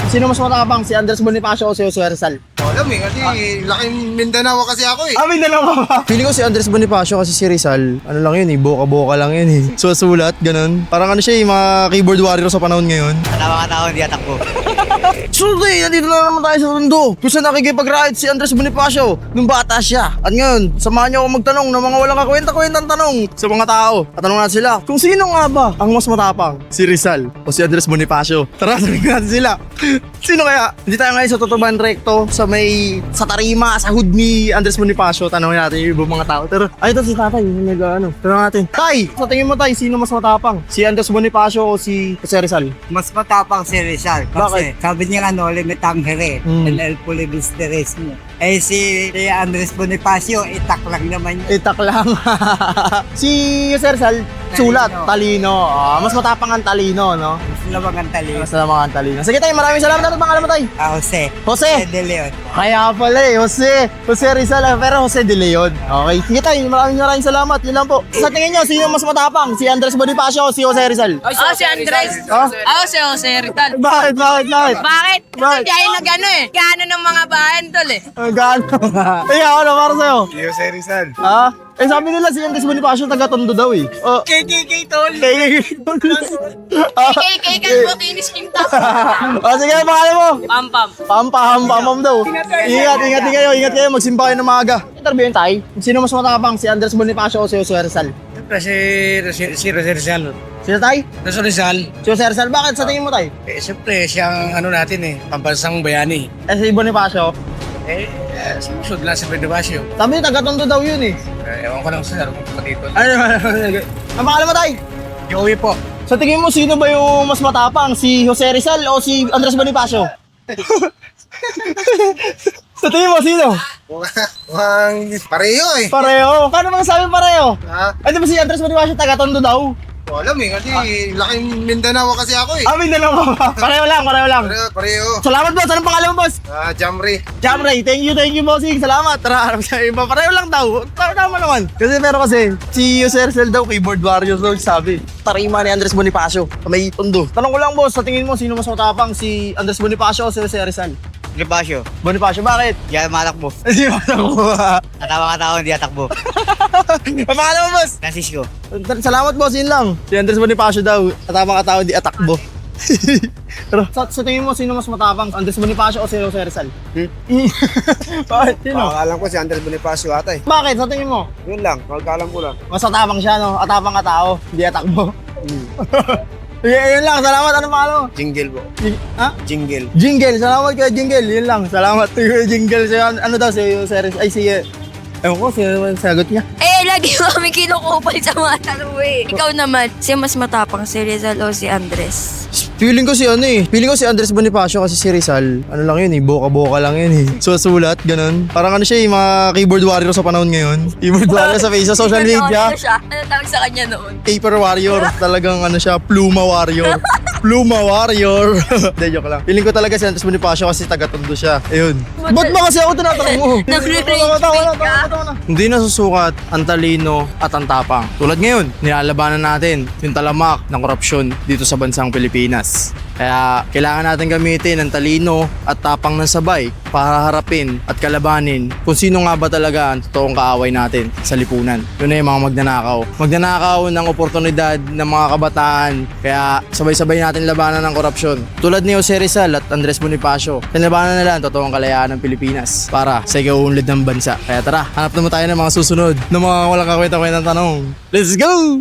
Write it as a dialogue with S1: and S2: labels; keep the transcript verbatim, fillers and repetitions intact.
S1: Sino mas matapang? Si Andres Bonifacio o si Jose Rizal?
S2: Alam eh, kasi laking Mindanao kasi ako eh.
S1: Ah, may dalawa ba? Pili ko si Andres Bonifacio kasi si Rizal, ano lang yun eh, boka-boka lang yun eh. Susulat, ganun. Parang ano siya eh, mga keyboard warrior sa panahon ngayon.
S3: Tama ka tao, hindi atakbo.
S1: Sunday, nandito na naman tayo sa Tondo. Kung saan nakikipag-ride si Andres Bonifacio nung bata siya. At ngayon, samahan niyo ako magtanong ng mga walang kakwenta-kwentang tanong sa mga tao. At tanong natin sila, kung sino nga ba ang mas matapang? Si Rizal o si Andres Bonifacio? Tara, tanongin natin sila. Sino kaya? Hindi tayo ngayon sa Totoban Recto, sa may, sa tarima, sa hood ni Andres Bonifacio. Tanongin natin yung ibang mga tao. Pero, ay, ito si tatay, yung nag, ano. Tanong natin. Tay, sa tingin mo tay, sino mas matapang? Si Andres Bonifacio o si Jose Rizal?
S3: Mas matapang si Rizal. Kasi
S1: Bakit?
S3: sabi niya nga no, limit ang here.
S1: Mm.
S3: And el pulibis de res mo. Eh si, si Andres Bonifacio, itak lang naman yun.
S1: Itak lang. Si Jose Rizal, sulat, talino. Ah, mas matapang ang talino, no?
S3: Mas labang ang tali.
S1: Mas matapang ang talino. Sige tayo, maraming salamat. Ano pangalan mo tayo?
S3: Ah, Jose.
S1: Jose.
S3: Jose de Leon.
S1: Kaya pala eh, Jose. Jose Rizal, ah, pero Jose de Leon. Okay, sige tayo, maraming maraming salamat. Yun lang po. Sa tingin nyo, sino mas matapang? Si Andres Bonifacio o si Jose Rizal?
S4: Oh, si Andres.
S1: Ah?
S4: Oh, si Jose Rizal.
S1: Bakit, bakit, bakit?
S4: Bakit?
S1: Bakit?
S4: Kasi dahil na gano'n eh. Gano'n ng mga bahan tol eh.
S1: Ang gano. Eh, ako na, para sa'yo.
S2: Jose Rizal.
S1: Ha? Eh, sabi nila si Andres Bonifacio taga-Tondo daw eh. Oh,
S4: K K K tol.
S1: kay
S4: K K K kan po kinis kinta.
S1: Oh, sige, pangalan mo.
S4: Pam pam.
S1: Pampaham, pamam daw. Ingat, ingat din kayo, ingat kayo. Magsimba kayo ng maaga. Interviewin tayo. Sino mas matapang? Si Andres Bonifacio o si Jose Rizal?
S5: Siyempre si, si, si Jose Rizal.
S1: Sino tayo?
S5: Jose Rizal,
S1: Si Jose Rizal. Bakit sa tingin mo tayo?
S5: eh, siyempre siyang ano natin eh, pambansang bayani.
S1: Eh, si Bonifacio.
S5: Eh, eh sumusod lang sa Bonifacio.
S1: Sabi niya, taga-Tondo daw yun eh.
S5: Eh, ewan ko lang sa kung pa dito.
S1: Ano naman? Ang pangalan mo tayo?
S5: Joey po.
S1: Sa tingin mo, sino ba yung mas matapang? Si Jose Rizal o si Andres Bonifacio? Sa tingin mo, sino?
S2: Mukhang pareho eh.
S1: Pareho. Kano bang sabi pareho?
S2: Ha?
S1: Ay, di ba si Andres Bonifacio taga-Tondo daw?
S2: Alam eh, kasi laking Mindanao kasi ako eh.
S1: Ah, may dalawa ba? Pareho lang, pareho lang.
S2: Pareho, pareho.
S1: Salamat boss. Anong pangalan mo boss?
S2: Ah, Jamri.
S1: Jamray, thank you, thank you bossing. Salamat. Tara, harap sa iba. Pareho lang daw. Tama, tama naman. Kasi pero kasi, si Jose Rizal daw, keyboard warrior daw sabi. Tarima ni Andres Bonifacio. May Tondo. Tanong ko lang boss, sa tingin mo, sino mas matapang? Si Andres Bonifacio o si Jose Rizal?
S3: Bonifacio.
S1: Bonifacio, bakit?
S3: Hindi ako matakbo.
S1: Hindi mo nakuha.
S3: Tama ka tao, hindi atakbo.
S1: Ang pangalan mo boss?
S3: Francisco.
S1: Salamat boss, yun lang. Si Andres Bonifacio daw, katama ka tao, di atakbo. Pero sa, sa tingin mo, sino mas matapang? Andres Bonifacio o si Jose Rizal? Hmm? Bakit? Sino?
S2: Alam ko si Andres Bonifacio ata eh.
S1: Bakit? Sa tingin mo?
S2: Yun lang, magkaalam ko lang.
S1: Mas matapang siya, no? Atapang ka tao, hindi atakbo. Sige, yun lang. Salamat. Ano pangalan mo?
S2: Jingle po.
S1: Jing- ha?
S2: Jingle.
S1: Jingle. Salamat kay Jingle. Yun lang. Salamat kay Jingle. Si, ano daw, si Jose Rizal. Ay, si... Ewan ko, si sagot niya.
S4: Eh, lagi mo kami kinukupal sa mga tanong eh. Ikaw naman, siya mas matapang si Rizal o si Andres?
S1: Feeling ko si ano eh. Feeling ko si Andres Bonifacio kasi si Rizal. Ano lang yun eh. Boka-boka lang yun eh. Susulat, ganun. Parang ano siya eh. Mga keyboard warrior sa panahon ngayon. Keyboard warrior sa face, sa social media.
S4: Ano siya? Ano tawag sa kanya noon?
S1: Paper warrior. Talagang ano siya. Pluma warrior. Pluma warrior. Hindi, joke lang. Feeling ko talaga si Andres Bonifacio kasi taga-Tondo siya. Ayun. Ba't ba kasi ako tinatanong mo?
S4: Nagre-rage
S1: Tawa, tawa,
S4: bait
S1: tawa,
S4: ka?
S1: tawa na. Hindi nasusukat ang talino at ang tapang. Tulad ngayon, nilalabanan natin yung talamak ng korupsyon dito sa bansang Pilipinas. Kaya kailangan natin gamitin ang talino at tapang ng sabay para harapin at kalabanin kung sino nga ba talaga ang totoong kaaway natin sa lipunan. Yun na yung mga magnanakaw. Magnanakaw ng oportunidad ng mga kabataan. Kaya sabay-sabay natin labanan ng korupsyon. Tulad ni Jose Rizal at Andres Bonifacio, tinabanan nila ang totoong kalayaan ng Pilipinas para sa ikaunlad ng bansa. Kaya tara, hanap naman tayo ng mga susunod ng mga walang kakwenta-kwentang tanong. Let's go!